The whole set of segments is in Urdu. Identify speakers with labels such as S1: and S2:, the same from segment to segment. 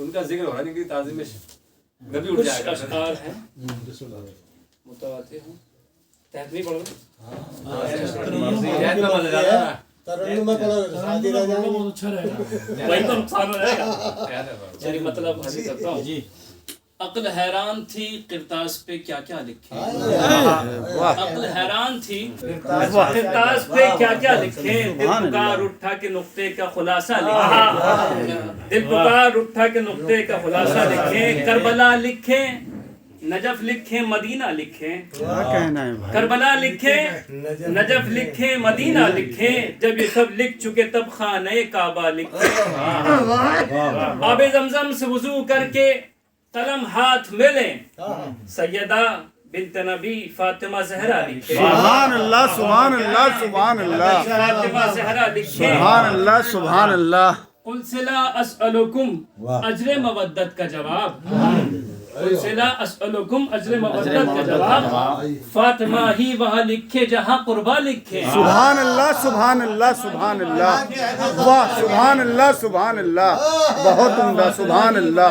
S1: ان کا ذکر ہو رہا ہے کہ تعظیم نبی اٹھ جائے گا.
S2: کچھ اشعار ہیں متواتر ہیں، تحت نہیں پڑھ رہے
S3: ترنم میں پڑھو شادی رہ جائیں
S4: بہت اچھا رہے گا.
S2: وہی تو نقصان ہو جائے گا. یعنی مطلب حاصل کرتا ہوں. عقل حیران تھی کرتاس پہ کیا کیا لکھے. عقل حیران تھی کرتاس پہ کیا کیا لکھے. دل پکار اٹھا کے نقطے کا خلاصہ لکھے. دل پکار اٹھا کے نقطے کا خلاصہ لکھے. کربلا لکھے، نجف لکھے، مدینہ لکھے. کربلا لکھے، نجف لکھے، مدینہ لکھے. جب یہ سب لکھ چکے تب خانہ کعبہ لکھے. آب زمزم سے وضو کر کے قلم ہاتھ میں لیں. سیدہ بنت نبی فاطمہ زہرا لکھے.
S5: سبحان اللہ سبحان اللہ سبحان اللہ
S2: فاطمہ زہرا لکھے.
S5: سبحان اللہ سبحان اللہ.
S2: قل سلا اسألکم اجر مودت کا جواب. قل سلا اسألکم اجر مودت کا جواب. فاطمہ ہی وہاں لکھے جہاں قربا لکھے.
S5: سبحان اللہ سبحان اللہ سبحان اللہ. واہ سبحان اللہ سبحان اللہ. بہت عمدہ سبحان اللہ.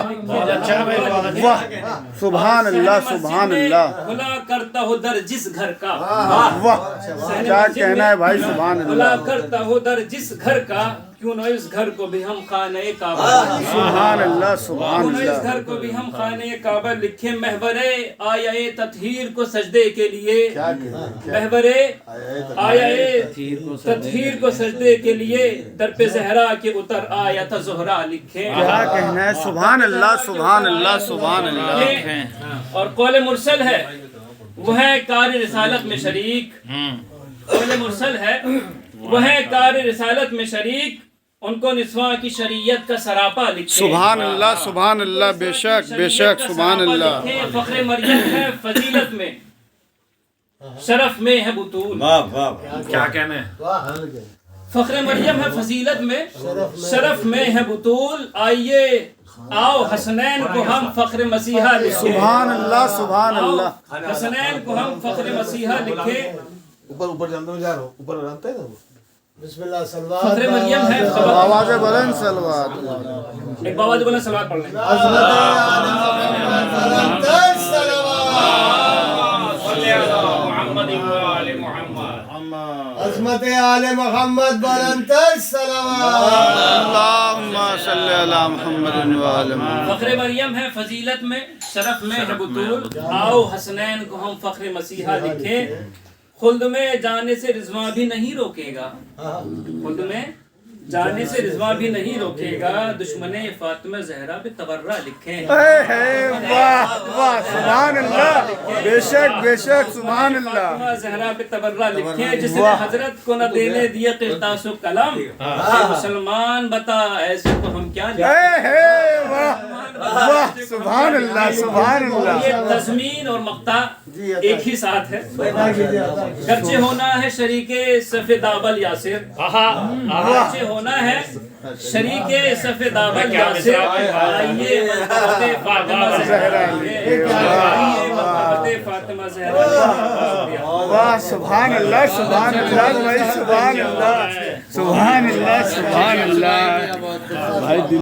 S5: واہ سبحان اللہ سبحان اللہ.
S2: کھلا کرتا ہو در جس گھر کا.
S5: واہ کیا کہنا ہے بھائی سبحان
S2: کھلا
S5: اللہ.
S2: کرتا ہو در جس گھر کا. کیوں نہ اس گھر کو بھی ہم خانہ کعبہ لکھیں.
S5: سبحان اللہ سبحان
S2: کیوں نہ اس
S5: اللہ.
S2: گھر کو بھی ہم خانہ کعبہ لکھیں. محور آیہ تطہیر کو سجدے کے لیے. محور آیہ تطہیر کو سجدے کے لیے در پہ زہرا کے اتر آیت زہرا لکھیں.
S5: کیا کہنا ہے سبحان اللہ سبحان اللہ سبحان اللہ.
S2: اور قول مرسل ہے وہ ہے کار رسالت میں شریک. قول مرسل ہے وہ ہے کار رسالت میں شریک. ان کو نسواں کی شریعت کا سراپا لکھیں.
S5: سبحان اللہ سبحان اللہ. بے شک بے شک سبحان اللہ.
S2: فخر مریم ہے فضیلت میں، شرف میں ہے بطول.
S1: کیا کہنا ہے.
S2: فخر مریم ہے فضیلت میں، شرف میں ہے بطول. آئیے آؤ حسنین کو ہم فخر مسیحا لکھیں.
S5: سبحان اللہ سبحان اللہ.
S2: حسنین کو ہم فخر مسیحا لکھیں.
S3: اوپر جانتے ہو جا رہا ہوں اوپر جانتے ہیں بسم اللہ سلوات.
S2: فخر مریم ہے
S5: آواز بلند سلوات.
S2: ایک بابا جو بولے سلوات پڑھ لیں.
S3: عظمت آل محمد بلندتر صلوات.
S5: اللہم صلی علی محمد و آل محمد.
S2: فخر مریم ہے فضیلت میں، شرف میں ہے بطول. آؤ حسنین کو ہم فخر مسیحا لکھیں. خلد میں جانے سے رضواں بھی نہیں روکے گا. خلد میں جانے سے رضواں بھی نہیں روکے گا. دشمن فاطمہ زہرا پہ تبرہ لکھیں.
S5: واہ واہ سبحان اللہ. بے شک بے شک سبحان اللہ.
S2: فاطمہ زہرا پہ تبرہ لکھیں. جس نے حضرت کو نہ دینے دیے قرطاس و قلم. مسلمان بتا ایسے کو ہم کیا لکھیں.
S5: واہ سبحان اللہ سبحان اللہ.
S2: یہ تضمین اور مقطع ایک ہی ساتھ ہے. گرچہ ہونا ہے شریک صف دابل یاسر. گرچہ ہونا ہے شریک صف دابل یاسر. آئیے محبت فاطمہ زہرا. فاطمہ زہرا.
S5: واہ سبحان اللہ سبحان اللہ بھائی سبحان اللہ سبحان اللہ سبحان اللہ.